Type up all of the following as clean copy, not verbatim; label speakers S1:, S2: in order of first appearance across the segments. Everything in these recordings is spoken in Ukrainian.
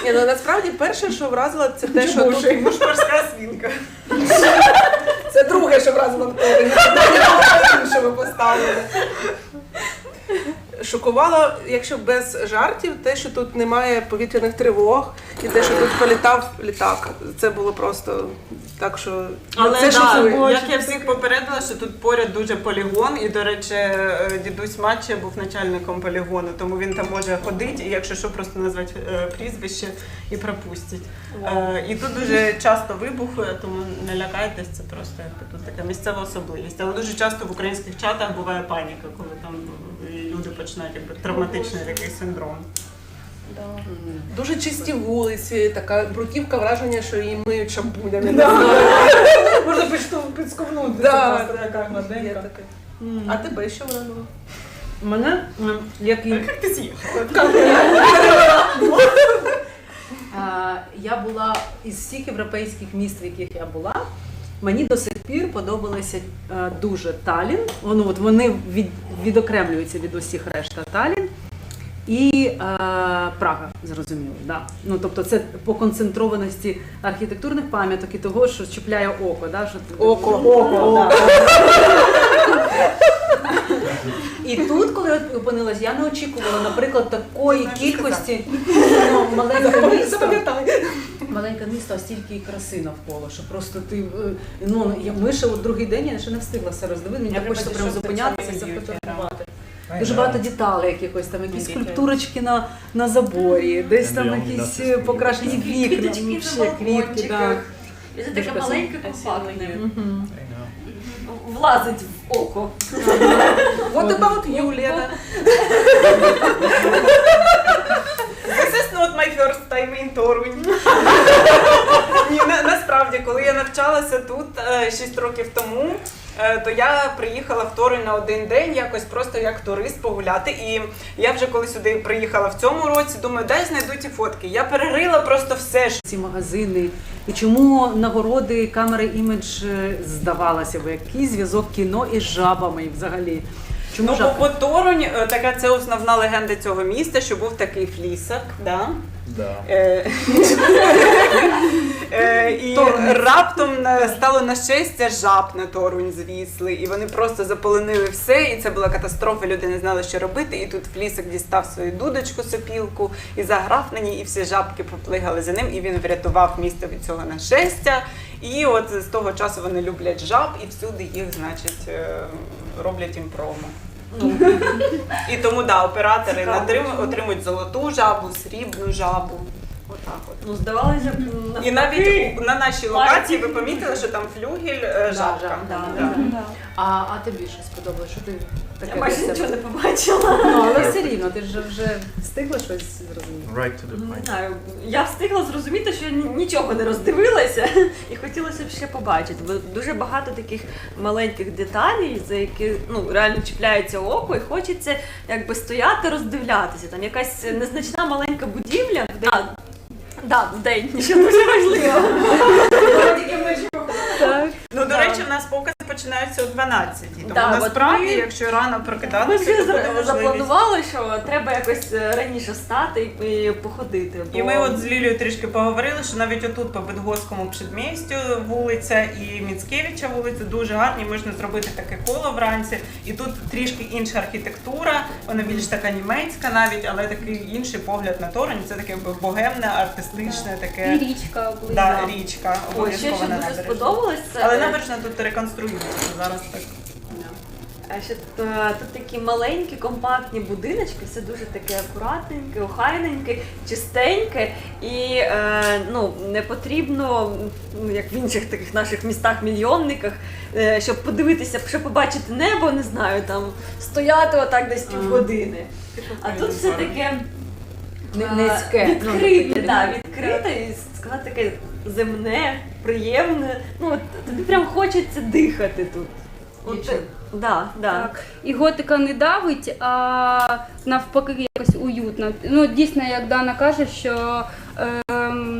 S1: Ні, ну насправді перше, що вразило, це те, що тут...
S2: Морська свинка.
S1: Це друге, що вразило в Торі. Що ви поставили. Шокувало, якщо без жартів, те, що тут немає повітряних тривог, і те, що тут політав літак. Це було просто так, що...
S2: Але
S1: це шокує.
S2: як я всіх попередила, що тут поряд дуже полігон, і, до речі, дідусь Матча був начальником полігону, тому він там може ходити, і якщо що, просто назвати прізвище і пропустять. І тут дуже часто вибухи, тому не лякайтесь, це просто тут така місцева особливість. Але дуже часто в українських чатах буває паніка, коли там люди починають травматичний такий синдром.
S1: Дуже чисті вулиці, така бруківка, враження, що її миють шампунями.
S3: Можна підсковнути.
S1: Да.
S3: Це така гладенька.
S1: А тебе що вразило?
S3: Мене, як і...
S2: Як ти з'їхала?
S3: Я була із всіх європейських міст, в яких я була, мені до сих пір подобалися дуже Таллін. Вони відокремлюються від усіх решта Таллін. І Прага, зрозуміло, да. Ну, тобто це по концентрованості архітектурних пам'яток і того, що чіпляє око. Да, що...
S1: Око.
S3: Да. І тут, коли я опинилась, я не очікувала, наприклад, такої кількості маленьке місто, а стільки краси навколо, що просто ти, ми ще другий день, я ще не встигла все роздивити, мені так хочеться прямо зупинятися і зафотографувати. Дуже багато деталей якихось, там якісь скульптурочки на заборі, десь там якісь покрашені вікна, квітки, да.
S4: І це таке маленьке, компактне. Влазить в око.
S1: What about you, Лена?
S2: This is not my first time in Torунь. Ні, насправді, коли я навчалася тут 6 років тому, то я приїхала в Торунь на один день, якось просто як турист погуляти. І я вже коли сюди приїхала в цьому році, думаю, дай знайду ті фотки. Я перерила просто все.
S3: Ці магазини. І чому нагороди камери імідж здавалося б, який зв'язок кіно із жабами взагалі? Чому
S2: Бо Торунь, така це основна легенда цього міста, що був такий флісак, да?
S5: Да.
S2: І раптом стало на щастя жаб на Торунь звісли, і вони просто заполонили все, і це була катастрофа, люди не знали, що робити, і тут Флісак дістав свою дудочку, сопілку, і заграв на ній, і всі жабки поплигали за ним, і він врятував місто від цього нашестя. І от з того часу вони люблять жаб, і всюди їх, значить, роблять їм промо. І тому, да, оператори отримують золоту жабу, срібну жабу. Отак от.
S4: Ну, здавалося б,
S2: І навіть на нашій локації ви помітили, що там флюгель жабка.
S3: А тобі що сподобалось? Що ти таке?
S4: я майже нічого не побачила.
S3: Ну, але все рівно, ти ж вже встигла щось зрозуміти?
S5: Right to the
S4: Не
S5: point.
S4: знаю, я встигла зрозуміти, що я нічого не роздивилася і хотілося б ще побачити, бо дуже багато таких маленьких деталей, за які реально чіпляється око і хочеться якби стояти, роздивлятися. Там якась незначна маленька будівля, в день, що дуже важливо.
S2: Ну, до речі, в нас покази починаються о 12-й. Тому
S4: Да,
S2: насправді,
S4: от ми-
S2: якщо рано
S4: Ми
S2: прокидатися,
S4: вже
S2: то буде можливість.
S4: запланували, що треба якось раніше встати і походити.
S2: І ми от з Лілією трішки поговорили, що навіть отут по Битгофському предмістю вулиця і Міцкевича вулиця дуже гарні, можна зробити таке коло вранці. І тут трішки інша архітектура, вона більш така німецька навіть, але такий інший погляд на Торунь. Це таке богемне, артистичне, таке...
S6: І річка близько.
S2: Да, річка,
S4: Ой, ще
S2: обов'язково
S4: що
S2: на
S4: дуже
S2: набережній.
S4: сподобалось, це
S2: Але набережна тут реконструюється, зараз так.
S4: ще тут такі маленькі, компактні будиночки, все дуже таке акуратненьке, охайненьке, чистеньке і не потрібно, як в інших таких наших містах-мільйонниках, щоб подивитися, щоб побачити небо, не знаю, там стояти отак десь півгодини. А тут все таке
S3: Низьке.
S4: відкрите і сказати таке земне, приємне. Тобі прям хочеться дихати тут. Да.
S6: Так. І готика не давить, а навпаки якось уютно. Дійсно, як Дана каже, що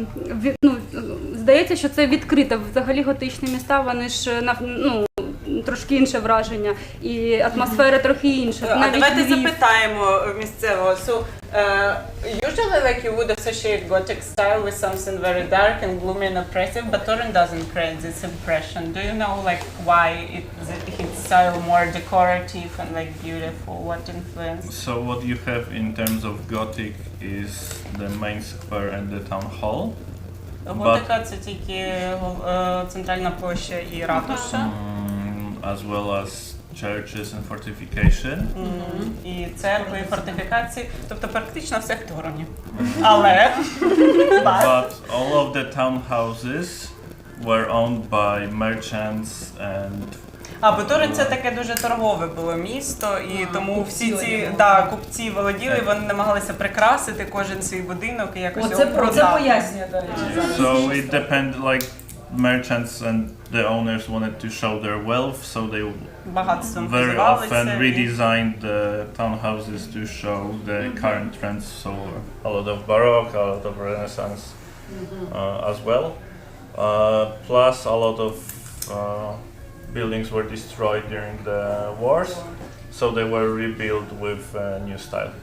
S6: здається, що це відкрите. Взагалі готичні міста, вони ж трошки інше враження, і атмосфера трохи інша.
S2: А
S6: Навіть
S2: давайте
S6: Львів.
S2: запитаємо місцевого. So, usually like you would associate Gothic style with something very dark and gloomy and oppressive, but Torun doesn't create this impression. Do you know like why his style more decorative and like beautiful? What influence?
S5: So what you have in terms of Gothic is the main square and the town hall.
S2: Готика це тільки центральна площа і ратуша.
S5: As well as churches and fortification.
S2: І церкви, і фортифікації, тобто практично все в Торуні. Але
S5: But all of the townhouses were owned by merchants and
S2: бо Турин це таке дуже торгове було місто, і тому всі ці купці володіли, вони намагалися прикрасити кожен свій будинок і якось його
S3: Це
S2: продати.
S3: пояснює, до речі.
S5: so it depended like merchants and the owners wanted to show their wealth, so they
S2: Багатством
S5: very
S2: хизувалися.
S5: often
S2: і-
S5: redesigned the townhouses to show the current trends. So a lot of Baroque, a lot of Renaissance as well. Plus a lot of buildings were destroyed during the wars, so they were rebuilt with a new style.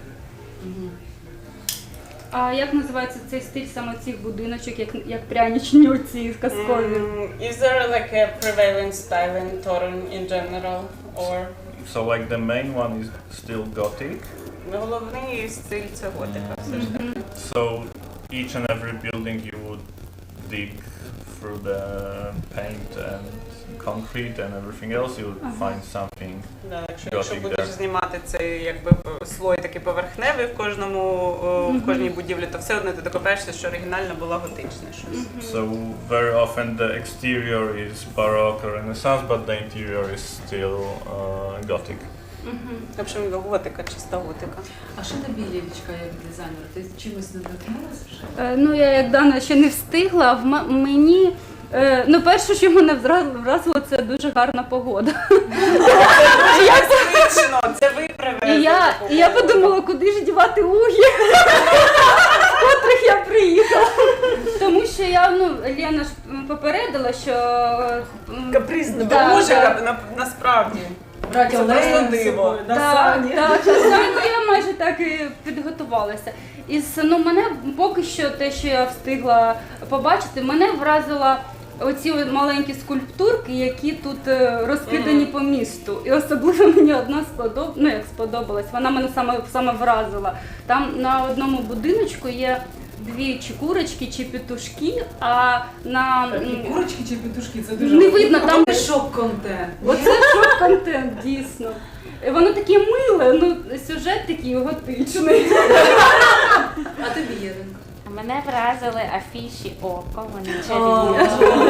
S6: А як називається цей стиль саме цих будиночок, як пряничні оці казкові?
S2: Is there like a prevalent style in Torun in general, or
S5: So like the main one is still Gothic.
S2: головний стиль це готика все ж таки?
S5: So each and every building you would dig through the paint and concrete and everything else, you would find something.
S2: Да, якщо
S5: Gothic,
S2: будеш
S5: да.
S2: знімати цей якби слой такий поверхневий в в кожній будівлі, то все одно ти докопаєшся, що оригінально було готичне щось.
S5: So very often the exterior is Baroque or Renaissance, but the interior is still Gothic.
S2: В общем, готика, чиста готика.
S3: А що тобі, Лілічка, як дизайнер? Ти чимось надихнулася вже?
S6: Ну, я як Дана ще не встигла, а мені. Ну, перше, що мене вразило, це дуже гарна погода.
S2: Як звично, це ви привезли.
S6: І я подумала, куди ж дівати угі, з котрих я приїхала. Тому що я, Лена ж попередила, що...
S2: Капризна,
S6: Да,
S2: дуже
S6: да.
S2: насправді.
S3: Брати
S2: Це просто диво.
S6: Так, я майже так і підготувалася. Мене поки що те, що я встигла побачити, мене вразила оці маленькі скульптурки, які тут розкидані по місту. І особливо мені одна сподобалась, вона мене саме вразила. Там на одному будиночку є дві чи курочки, чи петушки, а на...
S3: Курочки чи петушки? Це дуже...
S6: Не видно, там...
S3: шок-контент.
S6: Оце шок-контент, дійсно. І воно таке миле, сюжет такий готичний.
S3: А тобі, Єринко?
S7: Мене вразили афіші око, вони чарівні.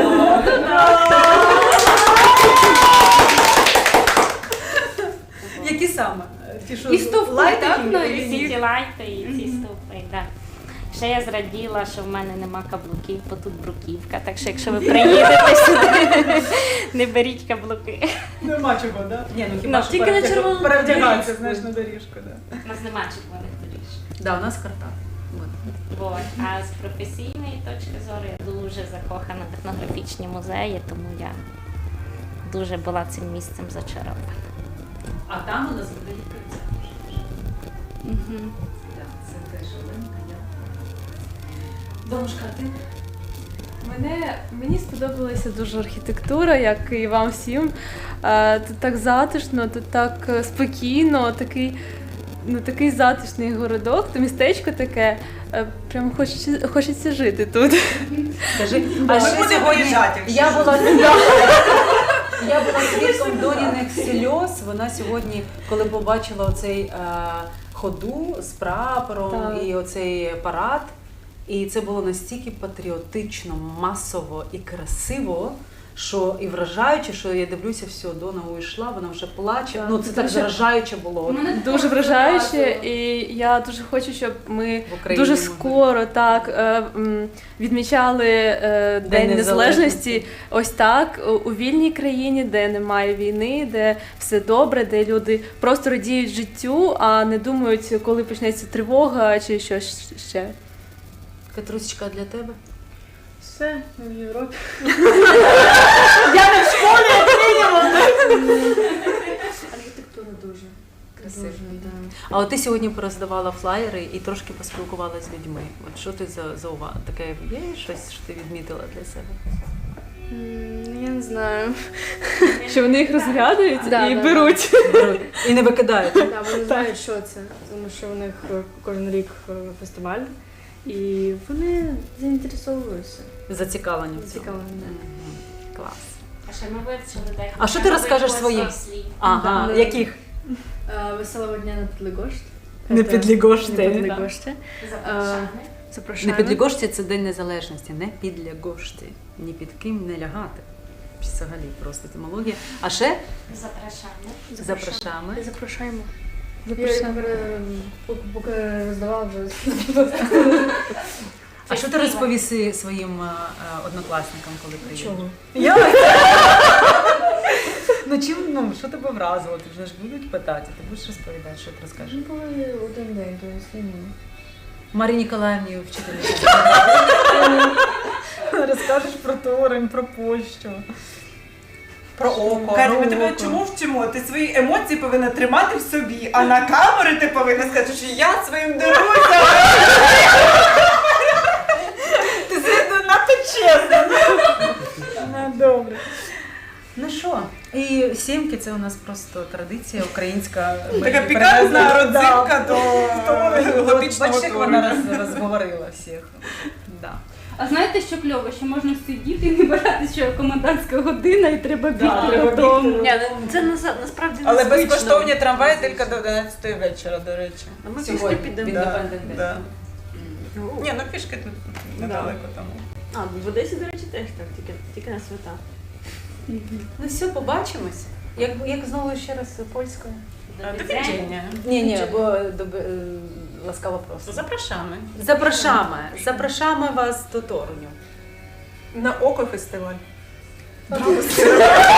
S3: Які саме? Ті, що
S6: І стовпи,
S3: лайтики,
S6: так, на
S3: які-
S7: Всі ці лайти і ці стовпи, так. Ще я зраділа, що в мене нема каблуків, бо тут бруківка, так що якщо ви приїдете сюди, не беріть каблуки.
S3: Нема чого, так? Ні, хіба що
S4: тільки на червоному
S3: перевдягатися,
S4: доріжку.
S3: знаєш, на доріжку, так.
S7: У нас нема червоних доріж.
S3: Да, у нас Карпати.
S7: Вот. А з професійної точки зору я дуже закохана в етнографічні музеї, тому я дуже була цим місцем зачарована.
S3: А там у нас буде відкриття. Так, це теж Оленка, я. Домушка, ти?
S8: Мені сподобалася дуже архітектура, як і вам всім. Тут так затишно, тут так спокійно, такий затишний городок, то містечко таке. Прямо хочеться жити тут.
S3: Скажи,
S2: Ми
S3: ще
S2: будемо
S3: сьогодні
S2: виїжджати, якщо
S3: я була свідком Доніних сльоз. Вона сьогодні, коли побачила оцей ходу з прапором
S8: Так.
S3: і оцей парад, і це було настільки патріотично, масово і красиво, що і вражаюче, що я дивлюся, все, Дона уйшла, вона вже плаче.
S8: Так,
S3: Ну це так
S8: дуже-
S3: вражаюче було.
S8: Дуже вражаюче, і я дуже хочу, щоб ми
S3: В Україні
S8: дуже
S3: ми-
S8: скоро відмічали День Незалежності ось так, у вільній країні, де немає війни, де все добре, де люди просто радіють життю, а не думають, коли почнеться тривога чи щось ще.
S3: Катрусечка, для тебе?
S8: Все, ми в Європі.
S3: Я не в школі, як мінімум.
S4: Архітектура дуже
S3: Красиво.
S4: да.
S3: А от ти сьогодні пороздавала флаєри і трошки поспілкувалася з людьми. От що ти за увагу? Таке є щось, що ти відмітила для себе?
S8: Я не знаю. Що вони їх розглядають
S9: Да,
S8: і
S9: да,
S8: беруть.
S3: Беруть і не викидають.
S9: Да, вони знають, що це, тому що у них кожен рік фестиваль, і вони заінтересовуються.
S3: Зацікавлені в цьому.
S9: Зацікавлені, да.
S3: Мгм. Клас.
S7: А ще ми вивчили декілька
S3: А що ти розкажеш
S7: нових
S3: своїм?
S7: слів.
S3: Ага,
S9: Да.
S3: яких?
S9: Веселого дня на Підлигошт.
S3: Не Підлігошти.
S9: Не Підлигошти.
S7: Запрошені.
S3: Не
S9: Запрошуємо.
S3: Підлігошті – це День Незалежності, не Підлягошті. Ні під ким не лягати. Взагалі просто етимологія. А ще
S7: Запрошені.
S3: запрошаємо.
S9: Запрошуємо. Я поки роздавала вже.
S3: А що ти розповіси своїм однокласникам, коли приїдеш?
S9: Чого?
S3: Ну чим, ну, що тебе вразило? Ти вже ж будуть питати, ти будеш розповідати, що ти розкажеш?
S9: Ми були один день, то є
S3: Марії Ніколаївні, вчительці. Розкажеш про Торинь, про Польщу.
S2: Про око. Катя, ми тебе чому вчимо? Ти свої емоції повинна тримати в собі, а на камери ти повинна сказати, що я своїм деруся. Ти надто чесно.
S3: Ну, добре. Ну що, і сімки це у нас просто традиція українська. Ми
S2: Така
S3: її
S2: пікантна
S3: привезли,
S2: родзинка до
S3: От,
S2: готичного
S3: бачите, як вона
S2: Ториню.
S3: розговорила всіх. Да.
S6: А знаєте, що кльово? Що можна сидіти і не бажати, що комендантська година і треба бігти додому.
S4: Ні, ну, це насправді
S2: Але
S4: незвично.
S2: безкоштовні трамваї тільки до 11 вечора, до речі.
S4: А ми
S3: Сьогодні.
S4: пішли підемо.
S3: Да.
S2: Да, да. Ні, ну пішки тут недалеко тому.
S4: А, в Одесі, до речі, теж так, тільки на свята.
S3: Ну все, побачимось. Як знову ще раз польською?
S2: До відчення.
S3: Ні, бо ласкаво просто.
S2: Запрошamy.
S3: Запрошаємо вас до Торуню.
S1: На око фестиваль.